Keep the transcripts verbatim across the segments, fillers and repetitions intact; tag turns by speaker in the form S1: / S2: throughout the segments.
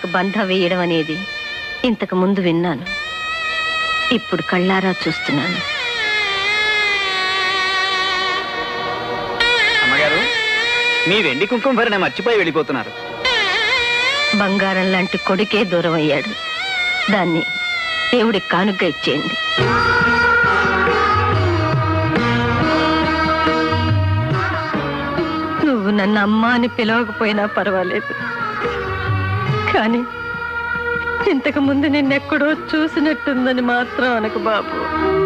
S1: పిల్లలకు బంధ వేయడం అనేది ఇంతకు ముందు విన్నాను, ఇప్పుడు కళ్ళారా చూస్తున్నాను.
S2: అమ్మగారు, మీ వెండి కుంకుమ భరణ మర్చిపోయి వెళ్ళిపోతున్నారు.
S1: బంగారం లాంటి కొడుకే దూరం అయ్యాడు, దాన్ని దేవుడికి కానుగ్గా ఇచ్చేయండి. నువ్వు నన్ను అమ్మ అని పిలవకపోయినా పర్వాలేదు, కానీ ఇంతకు ముందు నిన్నెక్కడో చూసినట్టుందని మాత్రం అనకు బాబు.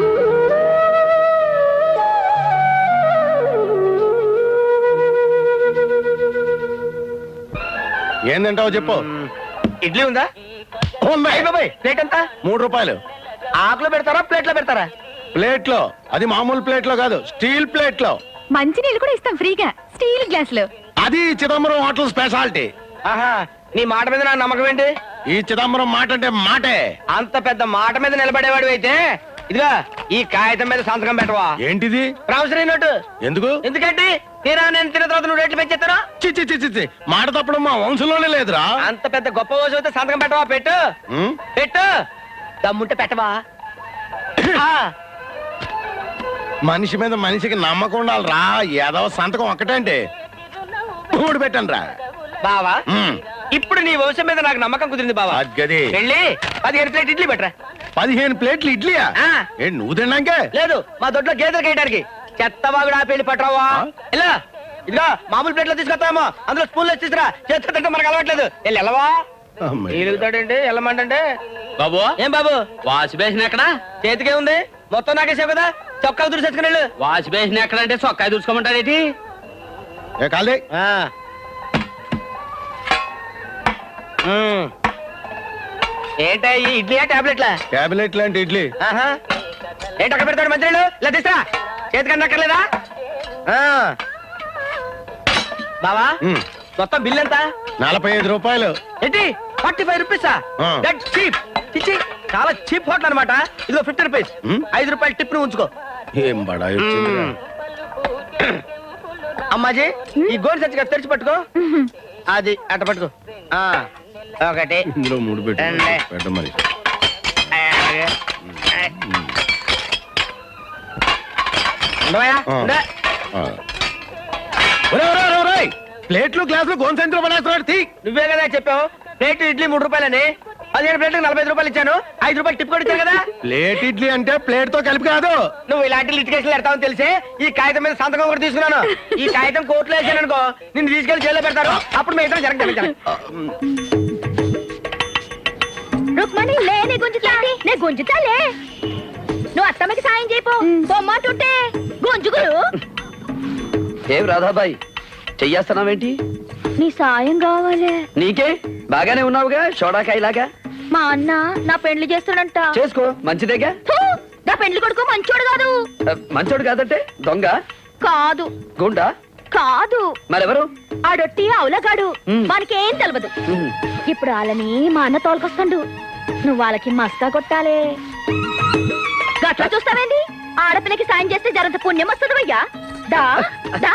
S3: ఏందంటావు చెప్పు.
S2: ఇడ్లీ ఉందా? ప్లేట్ ఎంత?
S3: మూడు రూపాయలు.
S2: ఆకులో పెడతారా ప్లేట్ లో పెడతారా?
S3: ప్లేట్ లో. అది మామూలు ప్లేట్ లో కాదు, స్టీల్ ప్లేట్ లో.
S1: మంచి నీళ్ళు కూడా ఇస్తాం ఫ్రీగా, స్టీల్ గ్లాస్ లో.
S3: అది చిదంబరం హోటల్ స్పెషాలిటీ.
S2: ఆహా, నీ మాట మీద నా నమ్మకం ఏంటి?
S3: ఈ చిదంబరం మాట అంటే మాటే.
S2: అంత పెద్ద మాట మీద నిలబడేవాడు అయితే ఇదిగా ఈ కాగితం మీద సంతకం పెట్టవా?
S3: ఏంటిది?
S2: Promissory note.
S3: ఎందుకు?
S2: ఎందుకంటే తీరా నేను తిన్న తర్వాత నువ్వు రేట్లు పెంచేస్తారా?
S3: చిచ్చి చిచ్చి చి మాట తప్పడం మా వంశంలోనే లేదురా.
S2: అంత పెద్ద గొప్ప రోజు అయితే సంతకం పెట్టవా? పెట్టు పెట్టు, దమ్ముంటే పెట్టవా?
S3: మనిషి మీద మనిషికి నమ్మకం ఉండాలిరా. ఏదో సంతకం ఒక్కటంటే మూడు పెట్టండి రా
S2: బావా. ఇప్పుడు నీ వంశం మీద నాకు నమ్మకం కుదిరింది బావా.
S3: గది
S2: వెళ్ళి పదిహేను ప్లేట్ ఇడ్లీ పెట్టరా.
S3: పదిహేను ప్లేట్లు ఇడ్లీయా? ఏంటి నువ్వు తిన్నాకే?
S2: లేదు, మా దొడ్లో గేదెలు కేయడానికి. చెత్తవాగుడు ఆ పెళ్లి పట్టరావా? ఇలా ఇదిగా మామూలు ప్లేట్లో తీసుకొస్తామో, అందులో స్పూన్లో తీసుకురా. చేతితో తింటే మనకు అలవాట్లేదు. వెళ్ళి వెళ్ళవా? ఎలుగుతాడండి వెళ్ళమంటే. బాబు ఏం బాబు, వాష్ బేసిన్ ఎక్కడ? చేతికే ఉంది, మొత్తం నాకేసావు కదా. చొక్కా దుడిసేసుకుని వెళ్ళు. వాష్ బేసిన్ ఎక్కడ అంటే చొక్కా దుడుచుకోమంటారేటి? ఏంటా ఈ ఇడ్లీయా టాబ్లెట్లా?
S3: టాబ్లెట్ లాంటి ఇడ్లీ.
S2: ఏంటి అక్కడ పెడతాడు మంత్రులు? ఇలా తీసా చేతికన్నా అక్కర్లేదా? బావా మొత్తం బిల్ ఎంత?
S3: నలభై ఐదు రూపాయలు.
S2: ఏంటి ఫార్టీ ఫైవ్ రూపీసా? That cheap. ఇచ్చి చాలా చీప్ హోటల్ అనమాట. ఇదిగో ఫిఫ్టీ రూపీస్, ఐదు రూపాయలు టిప్ ను ఉంచుకో.
S3: ఏం బడా
S2: అమ్మాజీ, ఈ గోల్డ్ సచ్చిగా తెరిచి పట్టుకో. అది అట్ట పట్టుకో. ఒకటి
S3: ఇందులో మూడు పెట్టు పెట్ట మరి. ప్లేట్లు గ్లాసులు గోన్సెంట్లో పడేస్తున్నాడు.
S2: నువ్వే కదా చెప్పావు ప్లేట్ ఇడ్లీ మూడు రూపాయలని. పదిహేను ప్లేట్లకు నలభై ఐదు రూపాయలు ఇచ్చాను. ఐదు రూపాయలు టిప్ కూడా ఇచ్చాను కదా.
S3: ప్లేట్ ఇడ్లీ అంటే ప్లేట్ తో కలిపి కాదు.
S2: నువ్వు ఇలాంటి లిటికేషన్లు పెడతావని తెలిసి ఈ కాగితం మీద సంతకం కూడా తీసుకున్నాను. ఈ కాగితం కోర్టులో వేసాను అనుకో, నిన్ను తీసుకెళ్లి జైల్లో పెడతారు. అప్పుడు మీ ఇద్దరు జరగదు.
S4: రుక్మణి లే, నే గుంజుతా నే గుంజుతాలే. నువ్వు అత్తమ్మకి సాయం చేయపో. బొమ్మాటుంటే గుంజుగురు.
S5: ఏం రాధాబాయి చెయ్యేస్తున్నావేంటి?
S4: నీ సాయం కావాలి.
S5: నీకే బాగానే ఉన్నావుగా షోడాకాయలాగా.
S4: మా అన్న నా పెండ్లి చేస్తాడంట.
S5: చేసుకో, మంచిదేగా.
S4: నా పెండ్లి కొడుకు మంచోడు కాదు.
S5: మంచోడు కాదంటే దొంగ
S4: కాదు,
S5: గుండా
S4: కాదు,
S5: మరెవరు?
S4: ఆడొట్టి అవులగాడు. మనకేం తెలవదు. ఇప్పుడు వాళ్ళని మా అన్న తోలుకొస్తాడు. నువ్వు వాళ్ళకి మస్కా కొట్టాలే. గట్లా చూస్తావేంది? ఆడపిల్లకి సాయం చేస్తే జరంత పుణ్యం వస్తుంది అయ్యా. దా దా.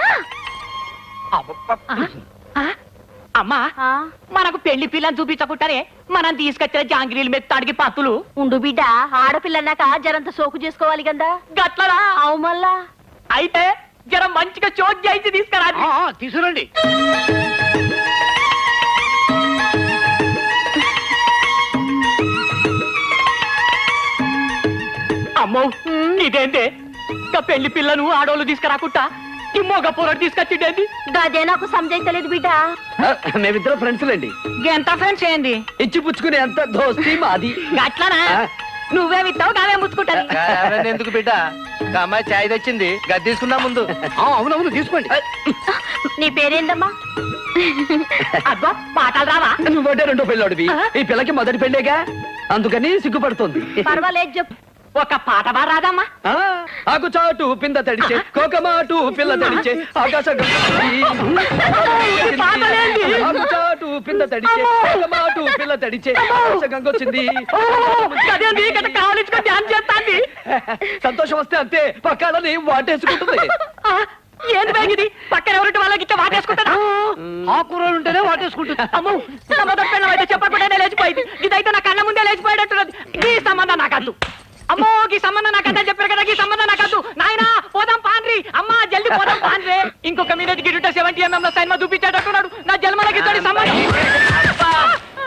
S6: అమ్మా, మనకు పెళ్లి పిల్లని చూపించకుంటారే మనం తీసుకొచ్చిన జాంగిరీలు మెత్తాడికి పత్తులు
S4: ఉండు బిడ్డ. ఆడపిల్లన్నాక జరంత సోకు చేసుకోవాలి కదా.
S6: గట్లరా?
S4: అవు మళ్ళా.
S6: అయితే జరం మంచిగా చోట్ చేయించి తీసుకురా. తీసుకురండి. అమ్మో, ఇదేంటే పెళ్లి పిల్లను ఆడోళ్ళు తీసుకురాకుండా ఈ మొగ పొరడు తీసుకొచ్చిండేది?
S4: గదే నాకు సంజయించలేదు బిడ్డ.
S5: మేమిద్దరు ఫ్రెండ్స్ లేండి.
S6: ఎంత ఫ్రెండ్స్ ఏంది?
S5: ఇచ్చి పుచ్చుకునే అంత దోస్తి మాది.
S6: గట్లనా? నువ్వే విత్తావు నావే ముచ్చుకుంటాను.
S2: ఎందుకు బిడ్డ, అమ్మాయి చాయ్ తెచ్చింది, గది తీసుకుందా ముందు.
S5: అవునవును తీసుకోండి.
S4: నీ పేరేందమ్మా?
S6: అబ్బా, పాటలు రావా?
S5: నువ్వంటే రెండో పెళ్ళోడివి, ఈ పిల్లకి మొదటి పెళ్ళేగా, అందుకని సిగ్గుపడుతుంది.
S4: పర్వాలేదు చెప్పు.
S6: ఒక పాట బా రాదమ్మా?
S5: ఆకు చాటు పింద తడిచే, కోకమాటు పిల్ల తడిచే, ఆకాశం ఆకు చాటు పింద తడిచే, కోకమాటు పిల్ల తడిచే, ఆకాశ గంగొచ్చింది.
S6: కావాలించుకొని ధ్యానం చేస్తాండి.
S5: సంతోషం వస్తే అంతే, పక్కాలని వాటేసుకుంటుంది.
S6: ఏంది బ్యాగిది? పక్కన ఎవరింటి వాళ్ళకి ఇట్లా వాటేసుకుంటారా?
S5: ఆ కూరలు ఉంటేనే వాటేసుకుంటుంది.
S6: అమ్మో, అయితే చెప్పకుండా సంబంధం నాకద్దు అమ్మో ఈ సంబంధం నాకద్దా చెప్పారు కదా ఈ సంబంధం నాకద్దు నాయనా పోదాం పాన్రి అమ్మా జల్ది పోదాం పాన్రే ఇంకొక మీద గిడుట సెవెంటీ ఎంఎం లో సైన్మా చూపించేటట్టున్నాడు నా జన్మలకి ఇతడి సంబంధం